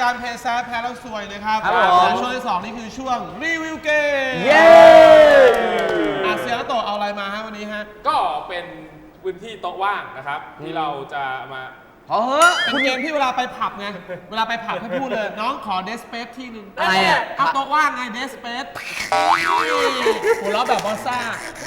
การเพย์แซฟแพ้แล้วซวยนะครับช่วงที่2นี่คือช่วงรีวิวเกมเย้เซียนโตเอาอะไรมาฮะวันนี้ฮะก็เป็นพื้นที่โต๊ะว่างนะครับที่เราจะมาเป็นเกมที่เวลาไปผับไงเวลาไปผับให้พูดเลยน้องขอเดสเปซที่หนึ่งอะไรอ่ะโต๊ะว่างไงเดสเปซหัวเราะแบบบอสซ่า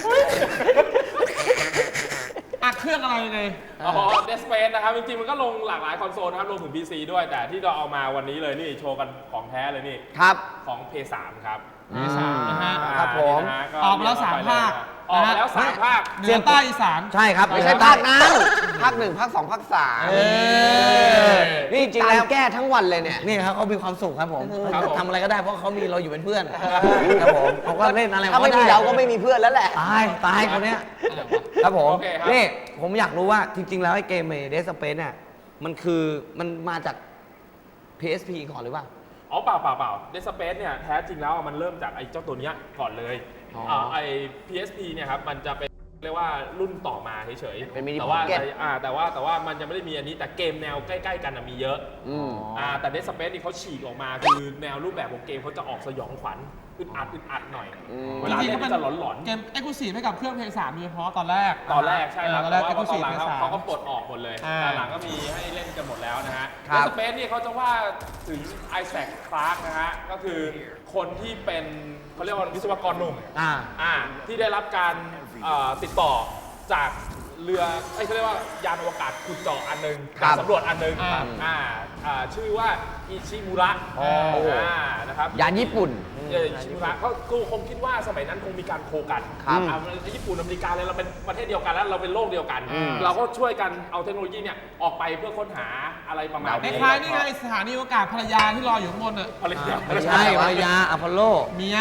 เครื่องอะไรไงเดสเปซนะครับจริงๆมันก็ลงหลากหลายคอนโซลนะครับรวมถึง PC ด้วยแต่ที่เราเอามาวันนี้เลยนี่โชว์กันของแท้เลยนี่ครับของ PS3 ครับ PS3 นะฮะครับผมออกแล้ว3 ภาคออกแล้ว3 ภาคเหนือใต้อีสานใช่ครับไม่ใช่ภาคนั้นภาค1ภาค2ภาค3นี่จริงแล้วแก้ทั้งวันเลยเนี่ยนี่ครับเขามีความสุขครับผมทำอะไรก็ได้เพราะเขามีเราอยู่เป็นเพื่อนครับผมเขาก็เล่นอะไรถ้าไม่มีเราก็ไม่มีเพื่อนแล้วแหละตายคนเนี้ยครับผมนี่ผมอยากรู้ว่าจริงๆแล้วไอ้เกมเดสเปซเนี่ยมันมาจาก PSP ก่อนหรือเปล่าเปล่าเดสเปซเนี่ยแท้จริงแล้วมันเริ่มจากไอ้เจ้าตัวเนี้ยก่อนเลยไอ้ PSP เนี่ยครับมันจะเป็นเรียกว่ารุ่นต่อมาเฉยๆแต่ว่ามันจะไม่ได้มีอันนี้แต่เกมแนวใกล้ๆกันมีเยอะแต่เดสเปซนี่เขาฉีกออกมาคือแนวรูปแบบของเกมเขาจะออกสยองขวัญอึดอัดหน่อยเวลาเล่นจะหลอนๆเกมเอ็กซ์คลูซีฟให้กับเครื่อง PS3 โดยเฉพาะตอนแรกใช่ครับแต่ว่าตอนหลังเขาก็ปลดออกหมดเลยตอนหลังก็มีให้เล่นกันหมดแล้วนะฮะเดสเปซนี่เขาจะว่าถึงไอแซค คลาร์กนะฮะก็คือคนที่เป็นเขาเรียกว่าวิศวกรหนุ่มที่ได้รับการติดต่อจากเรือเขาเรียกว่ายานอวกาศขุดเจาะอันนึงสำรวจอันนึงชื่อว่าอิชิมุระนะครับยานญี่ปุ่นอิชิมุระก็คงคิดว่าสมัยนั้นคงมีการโคกันญี่ปุ่นอเมริกาเลยเราเป็นประเทศเดียวกันแล้วเราเป็นโลกเดียวกันเราก็ช่วยกันเอาเทคโนโลยีเนี่ยออกไปเพื่อค้นหาอะไรประมาณนี้คล้ายๆนี่ไงสถานีอวกาศภรรยาที่รออยู่ข้างบนภรรยาไม่ใช่ภรรยาอพอลโลเมีย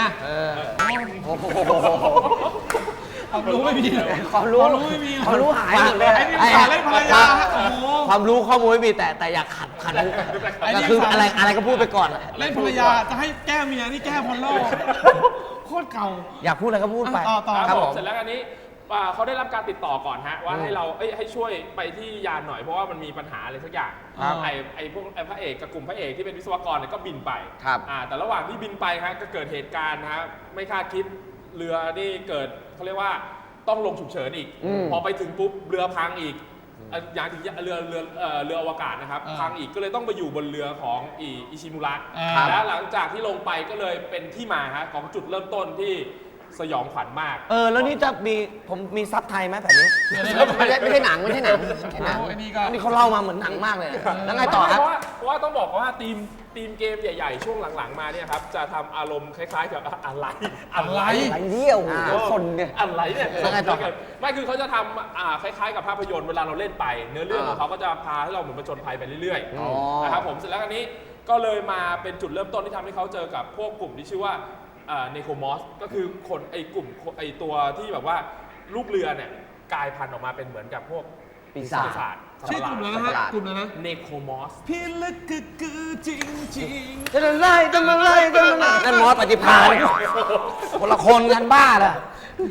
ความรู้ไม่มีความรู้ไม่มีความรู้หายหมดเลยไอ้นี่สารเล่นภรรยาความรู้ข้อมูลไม่มีแต่อยากขัดก็คืออะไรก็พูดไปก่อนเล่นภรรยาจะให้แก้เมียนี่แก้พอลโลโคตรเก่าอยากพูดอะไรก็พูดไปต่อครับผมเสร็จแล้วอันนี้เขาได้รับการติดต่อก่อนฮะว่าให้เราให้ช่วยไปที่ยานหน่อยเพราะว่ามันมีปัญหาอะไรสักอย่างไอ้พวกพระเอกกับกลุ่มพระเอกที่เป็นวิศวกรเนี่ยก็บินไปแต่ระหว่างที่บินไปฮะก็เกิดเหตุการณ์นะฮะไม่คาดคิดเรือนี่เกิดเขาเรียกว่าต้องลงฉุกเฉินอีกพอไปถึงปุ๊บเรือพังอีกอย่างถึงเรืออวกาศนะครับพังอีกก็เลยต้องไปอยู่บนเรือของอิชิมุระแล้วหลังจากที่ลงไปก็เลยเป็นที่มาฮะของจุดเริ่มต้นที่สยองขวัญมากแล้วนี่จะผมมีซับไทยไหมแบบนี้ไม่ใช่หนังอันนี้เขาเล่ามาเหมือนหนังมากเลยแล้วไงต่อครับเพราะว่าต้องบอกว่าทีมเกมใหญ่ๆช่วงหลังๆมาเนี่ยครับจะทำอารมณ์คล้ายๆกับอะไรเดี่ยวคนเนี่ยอะไรเนี่ยไม่คือเขาจะทำคล้ายๆกับภาพยนตร์เวลาเราเล่นไปเนื้อเรื่องของเขาก็จะพาให้เราเหมือนผจญภัยไปเรื่อยๆนะครับผมเสร็จแล้วอันนี้ก็เลยมาเป็นจุดเริ่มต้นที่ทำให้เขาเจอกับพวกกลุ่มที่ชื่อว่าเนโครมอสก็คือคนกลุ่มตัวที่แบบว่าลูกเรือเนี่ยกลายพันธุ์ออกมาเป็นเหมือนกับพวกปีศาจชื่อกลุ่มอะไรนะฮะกลุ่มอะไรนะเนโครมอสพี่ลึกคือจริงจะไล่นั่นมอสปฏิภาณคนละคนกันบ้าล่ะ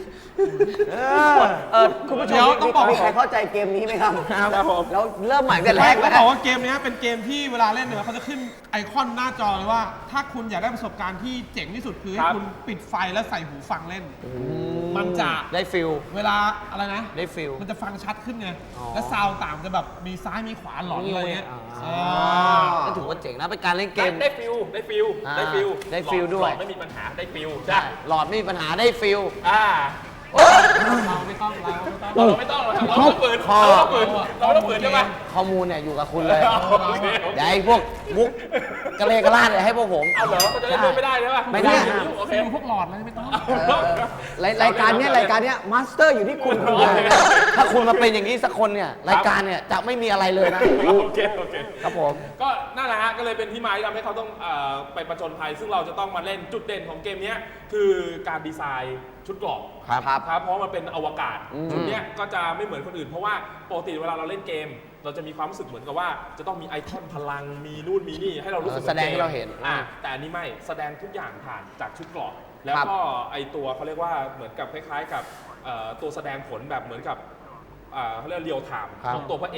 คุณผู้ชมต้องบอกมีใครเข้าใจเกมนี้ไหมครับแล้วเริ่มใหม่แต่แรกเขาบอกว่าเกมนี้เป็นเกมที่เวลาเล่นเนี่ยเขาจะขึ้นไอคอนหน้าจอเลยว่าถ้าคุณอยากได้ประสบการณ์ที่เจ๋งที่สุดคือให้คุณปิดไฟแล้วใส่หูฟังเล่นมันจะได้ฟิลเวลาอะไรนะได้ฟิลมันจะฟังชัดขึ้นไงและซาวต่างจะแบบมีซ้ายมีขวาหลอนอะไรเงี้ยก็ถือว่าเจ๋งนะเป็นการเล่นเกมได้ฟิลด้วยไม่มีปัญหาได้ฟิลใช่หลอดไม่มีปัญหาได้ฟิลเราไม่ต้องเราต้องเปิดใช่ไหมข้อมูลเนี่ยอยู่กับคุณเลยเดี๋ยวไอ้พวกมุกกระเลกระลาดเลยให้พวกผมเอาเหรอเขาจะได้ไม่ได้ใช่ไหมไม่ได้โอเคพวกหลอดอะไรไม่ต้องรายการเนี้ยมาสเตอร์อยู่ที่คุณถ้าคุณมาเป็นอย่างนี้สักคนเนี่ยรายการเนี่ยจะไม่มีอะไรเลยนะโอเคครับผมก็นั่นแหละฮะก็เลยเป็นที่มาที่ทำให้เขาต้องไปประจนภัยซึ่งเราจะต้องมาเล่นจุดเด่นของเกมนี้คือการดีไซน์ชุดเกราะครับเพราะมันเป็นอวกาศชุดนี้ก็จะไม่เหมือนคนอื่นเพราะว่าปกติเวลาเราเล่นเกมเราจะมีความรู้สึกเหมือนกับว่าจะต้องมีไอคอนพลังมีนู่นมีนี่ให้เรารู้สึกแสดงให้เราเห็นแต่อันนี้ไม่แสดงทุกอย่างผ่านจากชุดเกราะแล้วก็ไอตัวเขาเรียกว่าเหมือนกับคล้ายๆกับตัวแสดงผลแบบเหมือนกับเขาเรียกเรียลไทม์ของตัวพระเอก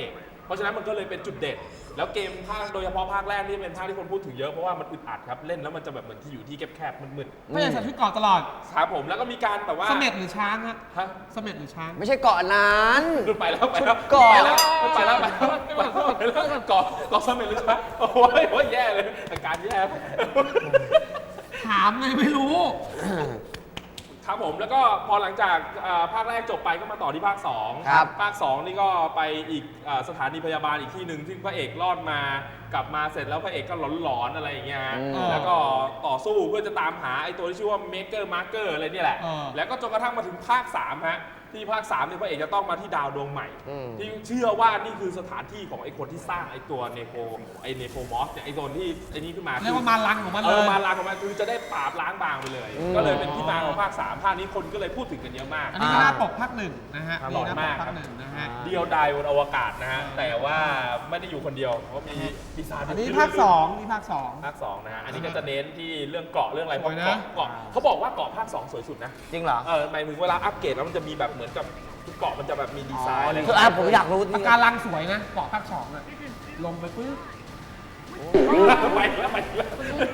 เพราะฉะนั้นมันก็เลยเป็นจุดเด่นแล้วเกมภาคโดยเฉพาะภาคแรกนี่เป็นภาคที่คนพูดถึงเยอะเพราะว่ามันอึดอัดครับเล่นแล้วมันจะแบบเหมือนที่อยู่ที่แคบๆมืดไม่ใช่ใส่ชุดเกราะตลอดๆครับผมแล้วก็มีการแบบว่าเสม็ดหรือช้างฮะฮะเสม็ดหรือช้างไม่ใช่เกาะนั้นหลุดไปแล้วไปแล้วก่อนไปแล้วไปแล้วไปแล้วก่อสมัยหรือเปล่าโอ้ยแย่เลยอาการแย่ถามไงไม่รู้ครับผมแล้วก็พอหลังจากภาคแรกจบไปก็มาต่อที่ภาค2 ครับภาค2นี่ก็ไปอีกสถานีพยาบาลอีกที่หนึ่งซึ่งพระเอกรอดมากลับมาเสร็จแล้วพระเอกก็หลอนๆอะไรอย่างเงี้ยฮะอืมแล้วก็ต่อสู้เพื่อจะตามหาไอ้ตัวที่ชื่อว่า Maker Marker อะไรเนี่ยแหละ แล้วก็จนกระทั่งมาถึงภาค3ฮะที่ภาค3เนี่ยพระเอกจะต้องมาที่ดาวดวงใหม่ ที่เชื่อว่านี่คือสถานที่ของไอ้คนที่สร้างไอ้ตัวเนโครมอสเนี่ยไอ้ตัวที่ไอ้นี่ขึ้นมาเรียกว่ามาลังของมันเลยมาล้างของมันคือจะได้ปราบล้างบางไปเลย ก็เลยเป็นที่มาของภาค3ภาคนี้คนก็เลยพูดถึงกันเยอะมากอันนี้ก็หน้าปกภาคหนึ่งนะฮะครับนี่หน้าปหล่อมากกภาคหนึ่งนะฮะเดียวดายบนอวกาศนะฮะแต่ว่าไม่ได้อยู่คนเดียวเพราะมีปีศาจอันนี้ภาคสองนี่ภาคสองภาค2นะฮะอันนี้ก็จะเน้นที่เรื่องเกาะเรื่องอะไรเพสราะวยนะเกาะเขาบอกว่าเกาะภาค2สวยสุดนะจริงเหรอหมายถึงเวลาอัปเกรดแล้วมันจะมีแบบเหมือนกับทุกเกาะมันจะแบบมีดีไซน์อะไรคือผมอยากรู้จริปะงการังสวยนะเกาะภาคสองอะลงไปปึ๊บไปแล้วไปแล้ว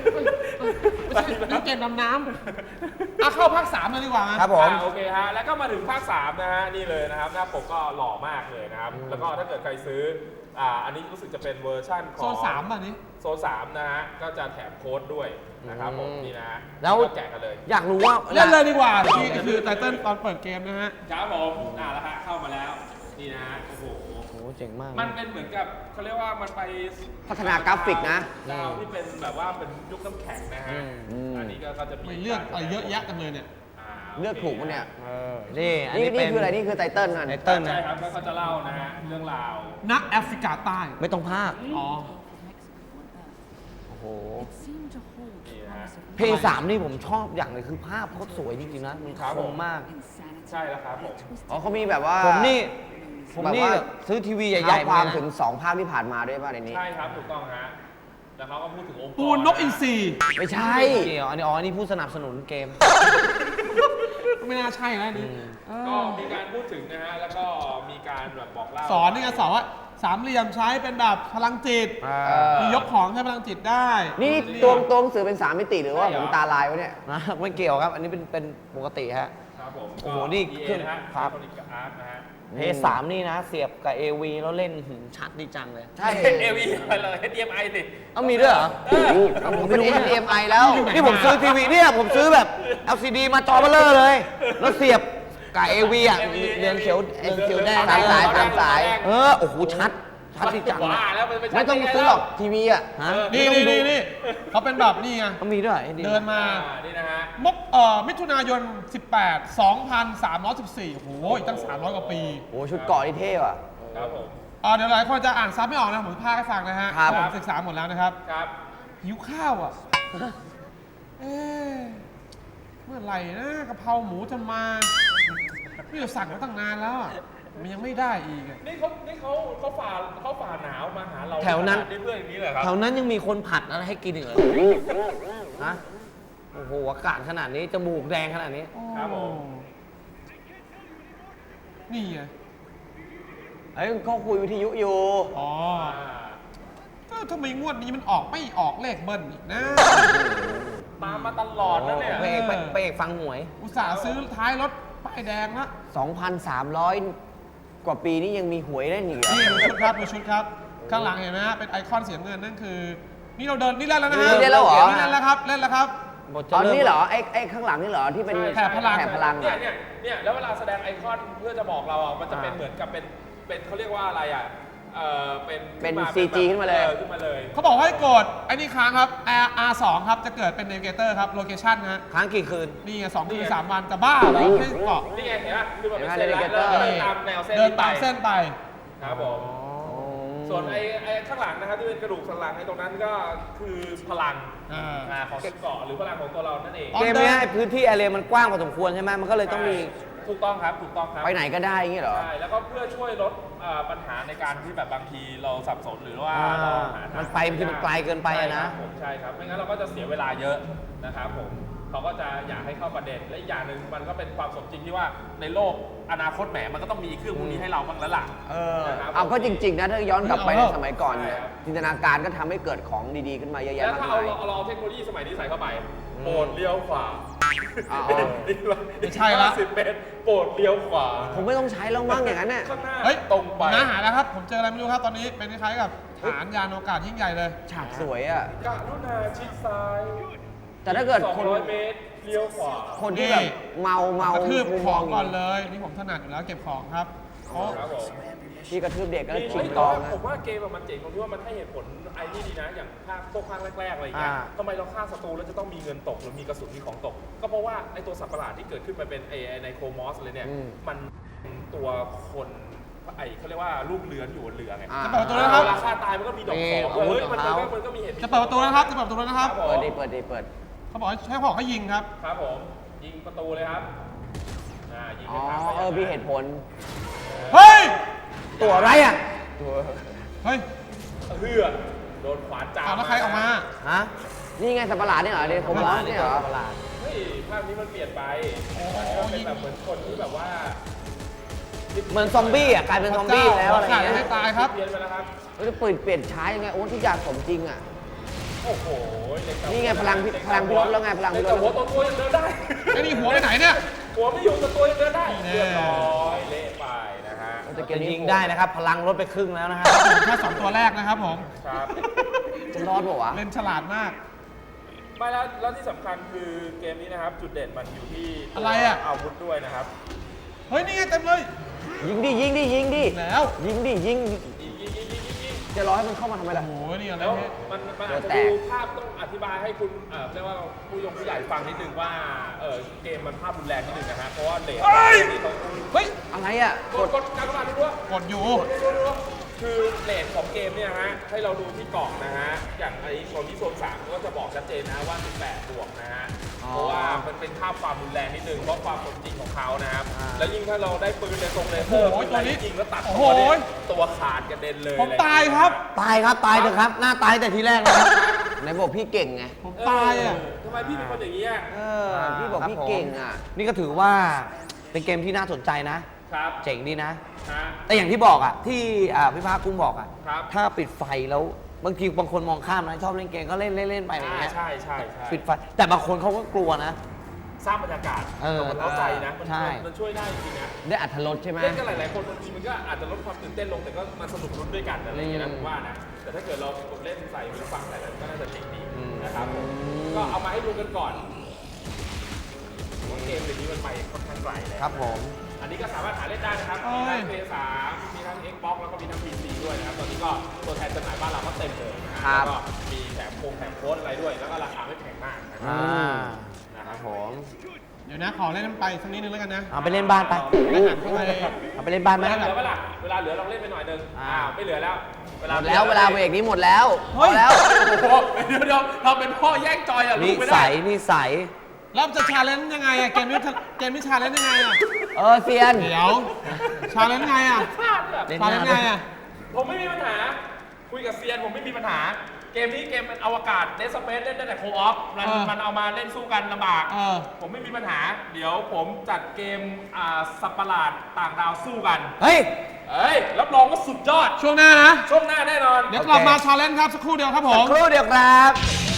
นี่เกมดำน้ำเข้าภาคสามเลยดีกว่านะครับผมโอเคฮะแล้วก็มาถึงภาค3นะฮะนี่เลยนะครับหน้าปกก็หล่อมากเลยนะครับแล้วก็ถ้าเกิดใครซื้ออันนี้รู้สึกจะเป็นเวอร์ชั่นของโซนสามอ่ะนี่โซน3นะฮะก็จะแถมโค้ดด้วยนะครับผมนี่นะฮะแล้วก็แจกกันเลยอยากรู้ว่าเล่นเลยดีกว่านี่คือไตเติ้ลตอนเปิดเกมนะฮะครับผมแล้วฮะเข้ามาแล้วนี่นะฮะโอ้โหโอ้เจ๋งมากมันเป็นเหมือนกับเขาเรียกว่ามันไปพัฒนากราฟิกนะดาวที่เป็นแบบว่าเป็นยุคน้ำแข็งนะฮะ อันนี้ก็จะมีไม่เลือกอะไรเยอะแยะกันเลยเนี่ยเลือกถูกปะเนี่ยนี่อันนี่นี้เป็นี่นคืออะไร นี่คือไตเติ้ลนั่นไตเติ้ลใช่นะครับแล้วเขาจะเล่านะฮะเรื่องราวนักแอฟริกาใต้ไม่ต้องพากอ๋อโอ้โหนี่นะฮะเพลง3นี่ผมชอบอย่างหนึงคือภาพเขาสวยจริงๆนะ มันครับคผมมมากใช่แล้วครับผมอ๋อเขามีแบบว่าผมนี่แบบว่าแบบซื้อทีวีใหเท้าญ่ๆความเลยนะถึง 2 ภาคที่ผ่านมาด้วยป่ะในนี้ใช่ครับถูกต้องฮะแล้วเขาก็พูดถึงองค์กรปูนนกอินทรีไม่ใช่เกี่ยวอันนี้อันนี้ผู้สนับสนุนเกมไม่น่าใช่แล้วนี่ก็มีการพูดถึงนะฮะแล้วก็มีการแบบบอกเล่าสอนนี่ไงสอนว่าสามเหลี่ยมใช้เป็นแบบพลังจิตมียกของใช้พลังจิตได้นี่ตัวหนังสือเป็น 3 มิติหรือว่าผมตาลายวะเนี่ยนะไม่เกี่ยวครับ อันนี้เป็นปกติฮะครับผมโอ้โหนี่ก็ขึ้น EA นะฮะครับคอนิกกับอาร์ตนะฮะเพย์3นี่นะ เสียบกับ AV แล้วเล่นชัดดีจังเลยใช่เอวีอะไรเลย HDMI สิเอามีด้วยเหรอผมเป็น HDMI แล้วนี่ผมซื้อทีวีเนี่ยผมซื้อแบบ LCD มาจอเบลเลอร์เลย แล้วเสียบกับ AV อ่ะเรืองเขียวแดงตามสายตามสายโอ้โหชัดดีจังว่าแล้วมันไม่ต้องซื้อหรอกทีวีอ่ะฮะนี่เขาเป็นแบบนี่ไงเขามีด้วยเดินมานี่นะฮะมิถุนายน 18 2314โอ้โหอีกตั้ง 300 กว่าปีโอ้ชุดเกาะนี่เท่ว่ะครับผมเดี๋ยวหลายคนจะอ่านซับไม่ออกนะผมพากให้ฟังนะฮะครับผมศึกษาหมดแล้วนะครับครับหิวข้าวอ่ะ เอ๊ะเมื่อไหร่นะกะเพราหมูจะมานี่เราสั่งมาตั้งนานแล้วอะมันยังไม่ได้อีกอะนี่เขาฝ่าหนาวมาหาเราแถวนั้นนี่เพื่อนอย่างนี้เลยครับแถวนั้นยังมีคนผัดอะไรให้กินอีกเหรอฮะโอ้โหอากาศขนาดนี้จมูกแดงขนาดนี้ครับผมนี่ไงเอ้ยเขาคุยวิทยุอยู่อ๋อทำไมงวดนี้มันออกไม่ออกเลขเบิ้ลอีกนะตามมาตลอดนะเนี่ยไปเอกฟังหวยอุตส่าห์ซื้อท้ายรถป้ายแดงละ 2,300 กว่าปีนี่ยังมีหวยเล่นอีกเหรอนี่ดูชุดครับดูชุดครับ ข้างหลังเห็นไหมฮะเป็นไอคอนเสียเงินนั่นคือ นี่เราเดินนี่เล่นแล้วนะฮะนี่เล่นแล้วเหรอนี่เล่นแล้วครับเล่นแล้วครับตอนนี้เหรอไอ้ข้างหลังนี่เหรอที่เป็นแถบพลังแถบพลังเนี่ยอะเนี่ยแล้วเวลาแสดงไอคอนเพื่อจะบอกเราอ่ะมันจะเป็นเหมือนกับเป็นเขาเรียกว่าอะไรอ่ะเป็นเป็นขึ้มา CG ขึ้นมาเลยขึ้นมาเลยเขาบอกให้กดไอ้นี่ค้างครับ R2 ครับจะเกิดเป็น Navigator ครับ Location ฮะค้างกี่คืนนี่ไง2 คืน 3 วันจะบ้าเหรอให้เกาะนี่ไงเห็นไหมคือมันเป็นเห็เส้นนไหมแล้ว Navigator เดินตามแนวเส้นเดินตามเส้นไปครับผม ส่วนไอ้ข้างหลังนะครับที่เป็นกระดูกสันหลังไอ้ตรงนั้นก็คือพลังของเกาะหรือพลังของตัวเรานั่นเองอ๋อเกมเนี้ยพื้นที่แอเรียมันกว้างพอสมควรใช่ไหมมันก็เลยต้องมีถูกต้องครับถูกต้องครับไปไหนก็ได้อย่างงี้เหรอใช่แล้วก็เพื่อช่วยลดปัญหาในการที่แบบบางทีเราสับสนหรือว่าเราหาทางมันไปบางทีมันไกลเกินไปอะนะใช่ครับผมใช่ครับไม่งั้นเราก็จะเสียเวลาเยอะนะครับผมเขาก็จะอยากให้เข้าประเด็นและอีกอย่างหนึ่งมันก็เป็นความสมจริงที่ว่าในโลกอนาคตแหมมันก็ต้องมีเครื่องพวกนี้ให้เราบ้างแล้วล่ะนะครับเอาก็จริง ๆ นะ ถ้าย้อนกลับไปในสมัยก่อนใช่เนี่ยครับจินตนาการก็ทำให้เกิดของดีๆขึ้นมาเยอะแล้วแยะมากถ้ามาเรายเอาเทคโนโลยีสมัยนี้ใส่เข้าไปโปรดเลี้ยวขวาอ๋อไม่ใช่ละ 50 เมตรโปรดเลี้ยวขวาผมไม่ต้องใช้แล้วมั้งอย่างนั้นน่ะข้างหน้าเฮ้ยตรงไปน้าหาแล้วครับ ผมเจออะไรไม่รู้ครับ ตอนนี้เป็นคล้ายๆกับฐานยานอวกาศยิ่งใหญ่เลยฉากสวยอ่ะกรุณาชิดซ้ายแต่ถ้าเกิดคน 200 เมตรเลี้ยวขวาคนที่แบบเมากระทืบมุมขมออง งก่อนเลย นี่ผมถนัดอยู่แล้วเก็บของครับโอ้ครับผมที่กระทืบเด็กก็นี่ชิงแต่ตอว่างนะผมว่าเกมอะมันเจ๋งตรงที่ว่ามันให้เหตุผลไอ้นี่ดีนะ อย่างพวกภาคแรกๆอะไรเงี้ยอ่าทำไมเราฆ่าศัตรูแล้วจะต้องมีเงินตกหรือมีกระสุนมีของตก ก็เพราะว่าไอ้ตัวสัตว์ประหลาดที่เกิดขึ้นมาเป็นไอ้ในโครมอสเลยเนี่ย มันเป็นตัวคนไอ้เขาเรียกว่าลูกเรือนอยู่บนเรือไงอ่าจะเปิดประตูแล้วครับเวลาฆ่าตายมันก็มีดอกของอาวุธเฮ้ยของเขามันก็มีเหตุจะเปิดประตูแล้วครับ จะเปิดประตูแล้วนะครับครับผมเปิดดิเปิดเขาบอกให้ใช้ของให้ยิงครับครับผมยิงประตูเลยครับยิงอ๋อไปทางไปมีเหตุผลเฮ้ยตัวอะไรอ่ะเฮ้ยเฮือโดนขวานจามเอาแล้วใครออกมาฮะนี่ไงสัตว์ประหลาดนี่เหรอเดนโคมอสเนี่ยเหรอประหลาดเฮ้ยภาพนี้มันเปลี่ยนไปมันเป็นแบบเหมือนคนที่แบบว่าเหมือนซอมบี้อ่ะกลายเป็นซอมบี้แล้วอะไรขาดเงี้ยให้ตายครับเปลี่ยนไปแล้วครับแล้วเปลี่ยนใช้ยังไงโอ้ทุกอย่างสมจริงอ่ะโอ้โหเด็กกับนี่ไงพลังพิรสแล้วไงพลังพิรสแต่หัวตัวยังเดินได้ไอ้นี่หัวไปไหนเนี่ยหัวไม่อยู่แต่ตัวยังเดินได้นี่แน่เรียบร้อยเละไปนะฮะแต่เกจะมนี้ยิงได้นะครับ พลังลดไปครึ่งแล้วนะฮะแค่2ตัวแรกนะครับผมครับจะรอดเปล่าวะเล่นฉลาดมากไม่แล้วที่สำคัญคือเกมนี้นะครับจุดเด่นมันอยู่ที่อะไรอะอาวุธด้วยนะครับเฮ้ย นี่ไงเต็มเลยยิงดิแล้วยิงยิงจะรอให้มันเข้ามาทำไมโอ้ล่ะโห นี่อะไรแล้วเนี่ยมันอาจตัวจะแตดูกภาพต้องอธิบายให้คุณเรียกว่าผู้ใหญ่ฟังนิดนึงว่าเกมมันภาพรุนแรงนิดนึงนะฮะเพราะว่าเลทที่เขาเฮ้ยอะไรอ่ะกดการกระดาษด้วยกดอยู่คือเลทของเกมเนี่ยฮะให้เราดูที่กล่องนะฮะอย่างไอ้โซนที่โซน3ก็จะบอกชัดเจนนะว่า18บวกนะฮะเพราะว่ามันเป็นภาพความรุนแรงนิดนึงเพราะความสมจริงของเขานะครับแล้วยิ่งถ้าเราได้ปืนในทรงเลเซอร์โอ้โหตัวนี้ยิงแล้วตัดโอ้ตัโหวเนี่ยตัวขาดกระเด็นเลยผมตายครับตายครับ ตายเถอะครับ หน้าตายแต่ทีแรกนะครับไหนบอกพี่เก่งไงผมตายอ่ะทำไมพี่เป็นคนอย่างนี้อ่ะพี่บอกพี่เก่งอ่ะนี่ก็ถือว่าเป็นเกมที่น่าสนใจนะครับเจ๋งดีนะฮะแต่อย่างที่บอกอ่ะ ที่พี่ภาคกุ้งบอกอ่ะครับถ้าปิดไฟแล้วบางทีบางคนมองข้ามนะชอบเล่นเกมก็เล่นไปอะไรอย่างเงี้ยใช่ปิดไฟ แต่บางคนเขาก็กลัวนะสร้างบรรยากาศ มันเข้าใจนะมันใช่มันช่วยได้จริงๆนะได้อัธรสใช่ไหมเล่นกันหลายๆคนบางทีมันก็อาจจะลดความตื่นเต้นลงแต่ก็มาสนุกลุ้นด้วยกันอะไรอย่างเงี้ยนะผมว่านะแต่ถ้าเกิดเราเล่นใส่หูฟังใส่อะไรก็น่าจะเจ๋งดีนะครับก็เอามาให้ดูกันก่อนว่าเกมเดี๋ยวนี้มันไปค่อนข้างไกลเลยครับผมอันนี้ก็สามารถหาเล่นได้นะครับ มีทั้ง PS3 มีทั้ง Xbox แล้วก็มีทั้ง PC ด้วยนะครับ ตอนนี้ก็ตัวแทนจำหน่ายบ้านเราก็เต็มเลยนะคครัรับ แล้วก็มีแถมโค้ดอะไรด้วย แล้วก็ราคาไม่แพงมากนะครัครับผมเดี๋ยวนะ ขอเล่นน้ำไปสักนิดนึงแล้วกันนะเอาไปเล่นบ้านไปแล้วหันเข้าไปเอาไปเล่นบ้านไหมเวลาเหลือเวลาเวลาเหลือลองเล่นไปหน่อยนึงไม่เหลือแล้วหมดแล้วเวลาเบรกนี้หมดแล้วเฮ้ยพอแล้วโอ้โหเดี๋ยวเราเป็นพ่อแย่งจอยอ่ะลูนิกไม่สัได้ยนิสัยแล้วจะชาเลนจ์ยังไงอะเกมนี้ชาเลนจ์ยังไงอะเซียนเดี๋ยว ชาเลนจ์ไงอะพลาดแบบชาเลนจ์ไงอะผมไม่มีปัญหา คุยกับเซียนผมไม่มีปัญหา เกมนี้เกมเป็นอวกาศเดสเปซเล่นได้แต่โคออฟมันเอามาเล่นสู้กันลำบาก ผมไม่มีปัญหา เดี๋ยวผมจัดเกมสัตว์ประหลาดต่างดาวสู้กันเฮ้ยรับรองว่าสุดยอดช่วงหน้านะช่วงหน้าแน่นอนเดี๋ยวกลับมาชาเลนจ์ครับ สักครู่เดียวครับผมครู่เดียวครับเ